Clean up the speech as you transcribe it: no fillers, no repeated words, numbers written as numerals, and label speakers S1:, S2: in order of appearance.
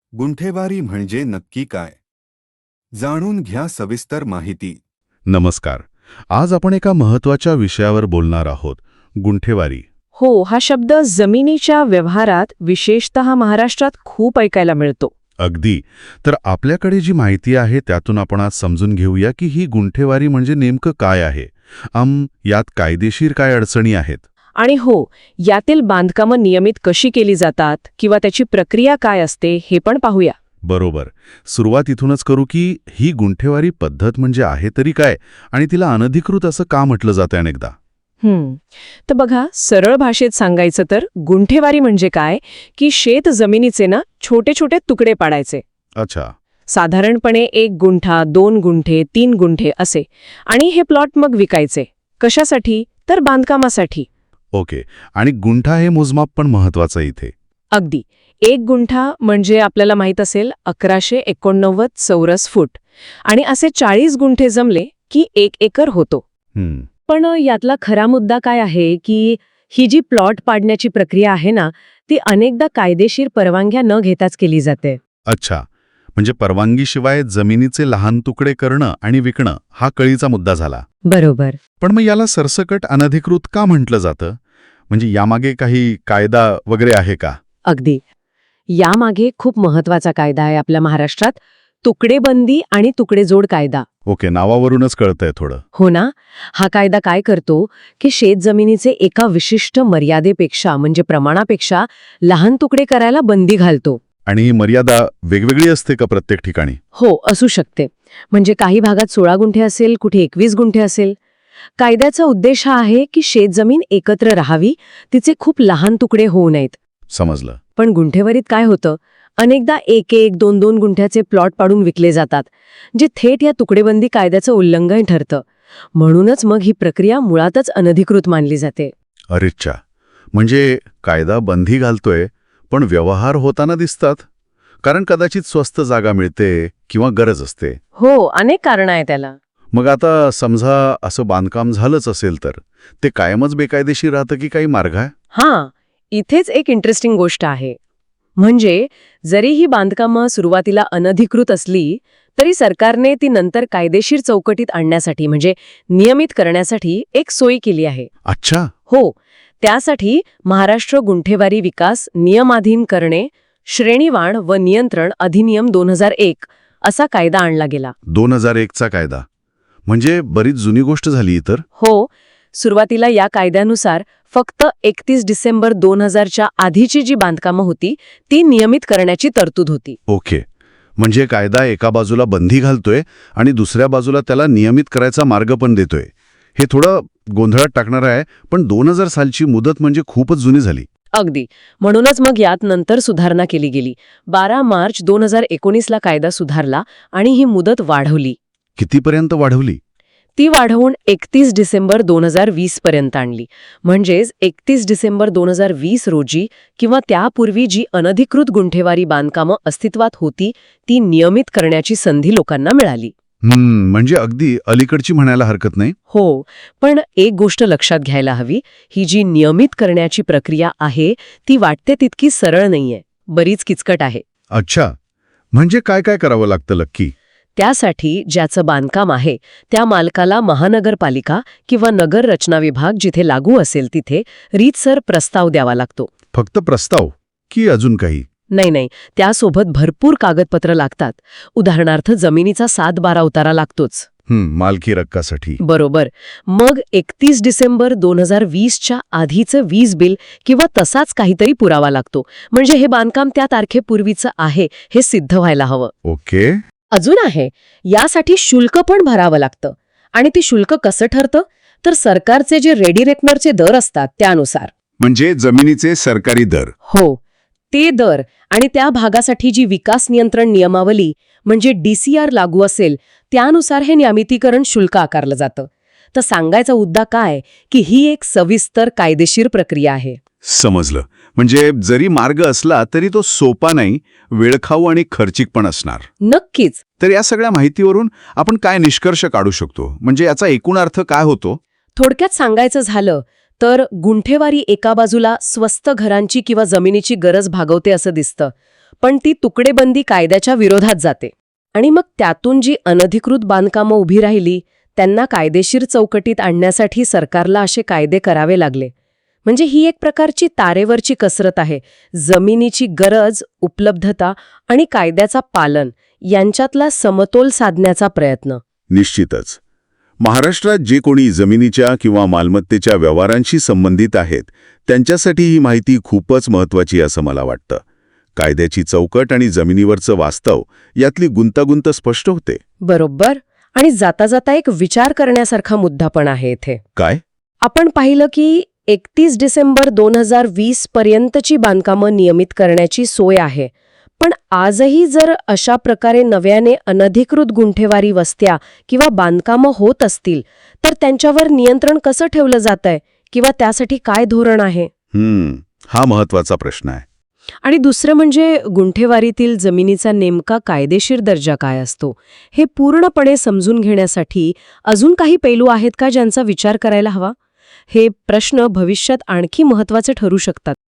S1: गुंठेवारी म्हणजे नक्की काय? जाणून घ्या सविस्तर माहिती.
S2: नमस्कार. आज आपण एका महत्त्वाच्या विषयावर बोलणार आहोत, गुंठेवारी.
S3: हो, हा शब्द जमिनीच्या व्यवहारात विशेषतः महाराष्ट्रात खूप ऐकायला मिळतो.
S2: अगदी. तर आपल्याकडे जी माहिती आहे त्यातून आपण आज समजून घेऊया की ही गुंठेवारी म्हणजे नेमकं काय आहे. यात कायदेशीर काय अडचणी आहेत.
S3: आणि हो, यातील बांधकामं नियमित कशी केली जातात किंवा त्याची प्रक्रिया काय असते हे पण पाहूया.
S2: बरोबर. सुरुवात इथूनच करू की ही गुंठेवारी पद्धत म्हणजे आहे तरी काय आणि तिला अनधिकृत असं का म्हटलं जातं अनेकदा.
S3: तर बघा, सरळ भाषेत सांगायचं तर गुंठेवारी म्हणजे काय की शेत जमिनीचे ना छोटे छोटे तुकडे पाडायचे.
S2: अच्छा.
S3: साधारणपणे 1 गुंठा, 2 गुंठे, 3 गुंठे असे. आणि हे प्लॉट मग विकायचे. कशासाठी? तर बांधकामासाठी.
S2: ओके. आणि गुंठा हे मोजमाप पण महत्वाचं इथे.
S3: अगदी. 1 गुंठा म्हणजे आपल्याला माहीत असेल 1189 चौरस फूट. आणि असे 40 गुंठे जमले की 1 एकर होतो. पण यातला खरा मुद्दा काय आहे की ही जी प्लॉट पाडण्याची प्रक्रिया आहे ना, ती अनेकदा कायदेशीर परवानग्या न घेताच केली जाते.
S2: अच्छा. म्हणजे परवानगीशिवाय जमिनीचे लहान तुकडे करणं आणि विकणं हा कळीचा मुद्दा झाला.
S3: बरोबर.
S2: पण मग याला सरसकट अनधिकृत का म्हटलं जातं? म्हणजे यामागे काही कायदा वगैरे आहे का?
S3: अगदी. यामागे खूप महत्वाचा कायदा आहे आपल्या महाराष्ट्रात, तुकडेबंदी आणि तुकडेजोड कायदा.
S2: ओके. नावावरूनच कळतंय थोडं.
S3: हो ना. हा कायदा काय करतो की शेतजमिनीचे एका विशिष्ट मर्यादेपेक्षा म्हणजे प्रमाणापेक्षा लहान तुकडे करायला बंदी घालतो.
S2: आणि ही मर्यादा वेगवेगळी असते का प्रत्येक ठिकाणी?
S3: हो, असू शकते. म्हणजे काही भागात 16 गुंठे असेल, कुठे 21 गुंठे असेल. कायद्याचा उद्देश हा आहे की शेतजमीन एकत्र राहावी, तिचे खूप लहान तुकडे होऊ नयेत.
S2: समजलं.
S3: पण गुंठेवारीत काय होतं, अनेकदा 1-1, 2-2 गुंठ्याचे प्लॉट पाडून विकले जातात, जे थेट या तुकडेबंदी कायद्याचं उल्लंघन ठरतं. म्हणूनच मग ही प्रक्रिया मुळातच अनधिकृत मानली जाते.
S2: अरेच्छा. म्हणजे कायदा बंदी घालतोय पण व्यवहार होताना दिसतात. कारण कदाचित स्वस्त जागा मिळते किंवा गरज असते.
S3: हो, अनेक कारणं आहेत त्याला.
S2: मग आता समजा असं बांधकाम झालंच असेल तर ते कायमच बेकायदेशीर राहतं की काही मार्ग आहे?
S3: हां, इथेच एक इंटरेस्टिंग गोष्ट आहे. म्हणजे जरी ही बांधकामं सुरुवातीला अनधिकृत असली तरी सरकारने ती नंतर कायदेशीर चौकटीत आणण्यासाठी म्हणजे नियमित करण्यासाठी एक सोय केली आहे.
S2: अच्छा.
S3: हो, त्यासाठी महाराष्ट्र गुंठेवारी विकास नियमाधीन करणे, श्रेणीवाढ व नियंत्रण अधिनियम 2001 असा कायदा आणला गेला.
S2: 2001 चा कायदा. म्हणजे बरीच जुनी गोष्ट झाली तर.
S3: हो, सुरुवातीला या कायद्यानुसार फक्त 31 डिसेंबर 2000च्या आधीची जी बांधकामं होती ती नियमित करण्याची तरतूद होती.
S2: ओके. म्हणजे कायदा एका बाजूला बंदी घालतोय आणि दुसऱ्या बाजूला त्याला नियमित करायचा मार्ग पण देतोय. हे थोडं गोंधळात टाकणार आहे, पण 2000 सालची मुदत म्हणजे खूपच जुनी झाली.
S3: अगदी. म्हणूनच मग यात नंतर सुधारणा केली गेली. 12 मार्च 2019ला कायदा सुधारला आणि ही मुदत वाढवली.
S2: कितीपर्यंत वाढवली?
S3: ती वाढवून 31 डिसेंबर 2020 पर्यंत आणली. म्हणजेच 31 डिसेंबर 2020 रोजी किंवा त्यापूर्वी जी अनधिकृत गुंठेवारी बांधकामं अस्तित्वात होती ती नियमित करण्याची संधी लोकांना मिळाली.
S2: म्हणजे अगदी अलीकडची म्हणायला हरकत नाही.
S3: हो, पण एक गोष्ट लक्षात घ्यायला हवी, ही जी नियमित करण्याची प्रक्रिया आहे ती वाटते तितकी सरळ नाहीये, बरीच किचकट आहे.
S2: अच्छा. म्हणजे काय काय करावं लागतं लक्की?
S3: त्यासाठी ज्याचं बांधकाम आहे त्या मालकाला महानगरपालिका किंवा नगर रचना विभाग जिथे लागू असेल तिथे रीतसर प्रस्ताव द्यावा लागतो.
S2: फक्त प्रस्ताव की अजून काही?
S3: नाही, त्यासोबत भरपूर कागदपत्र लागतात. उदाहरणार्थ जमिनीचा 7-12 उतारा लागतोच.
S2: मालकी हक्कासाठी.
S3: बरोबर. मग 31 डिसेंबर 2020च्या आधीचं वीज बिल किंवा तसाच काहीतरी पुरावा लागतो. म्हणजे हे बांधकाम त्या तारखेपूर्वीचं आहे हे सिद्ध व्हायला हवं.
S2: ओके.
S3: अजून आहे, यासाठी शुल्क पण भरावं लागतं. आणि ती शुल्क कसं ठरतं? तर सरकारचे जे रेडी रेकनरचे दर असतात त्यानुसार.
S2: म्हणजे जमिनीचे सरकारी दर.
S3: हो, ते दर आणि त्या भागासाठी जी विकास नियंत्रण नियमावली म्हणजे DCR लागू असेल त्यानुसार हे नियमितीकरण शुल्क आकारलं जातं. तर सांगायचा मुद्दा काय की ही एक सविस्तर कायदेशीर प्रक्रिया आहे.
S2: समजलं. म्हणजे जरी मार्ग असला तरी तो सोपा नाही, वेळखाऊ आणि खर्चिक पण असणार.
S3: नक्कीच.
S2: तर या सगळ्या माहितीवरून आपण काय निष्कर्ष काढू शकतो? म्हणजे याचा एकूण अर्थ काय होतो?
S3: थोडक्यात सांगायचं झालं तर गुंठेवारी एका बाजूला स्वस्त घरांची किंवा जमिनीची गरज भागवते असं दिसतं. पण ती तुकडेबंदी कायद्याच्या विरोधात जाते. आणि मग त्यातून जी अनधिकृत बांधकामं उभी राहिली त्यांना कायदेशीर चौकटीत आणण्यासाठी सरकारला असे कायदे करावे लागले. म्हणजे ही एक प्रकारची तारेवरची कसरत आहे. जमिनीची गरज, उपलब्धता आणि कायद्याचा पालन यांच्यातला समतोल साधण्याचा प्रयत्न.
S2: निश्चितच. महाराष्ट्रात जे कोणी जमिनीच्या किंवा मालमत्तेच्या व्यवहारांशी संबंधित आहेत त्यांच्यासाठी ही माहिती खूपच महत्त्वाची असं मला वाटतं. कायद्याची चौकट आणि जमिनीवरचं वास्तव यातली गुंतागुंत स्पष्ट होते.
S3: बरोबर. आणि जाता जाता एक विचार करण्यासारखा मुद्दा पण आहे इथे.
S2: काय?
S3: आपण पाहिलं की 31 डिसेंबर 2020 पर्यंतची बांधकामं नियमित करण्याची सोय आहे. पण आजही जर अशा प्रकारे नव्याने अनधिकृत गुंठेवारी वस्त्या किंवा बांधकामं होत असतील तर त्यांच्यावर नियंत्रण कसं ठेवलं जातंय किंवा त्यासाठी काय धोरण आहे?
S2: हा महत्त्वाचा प्रश्न आहे.
S3: आणि दुसरं म्हणजे गुंठेवारीतील जमिनीचा नेमका कायदेशीर दर्जा काय असतो हे पूर्णपणे समजून घेण्यासाठी अजून काही पैलू आहेत का ज्यांचा विचार करायला हवा? हे प्रश्न भविष्यात आणखी महत्त्वाचे ठरू शकतात.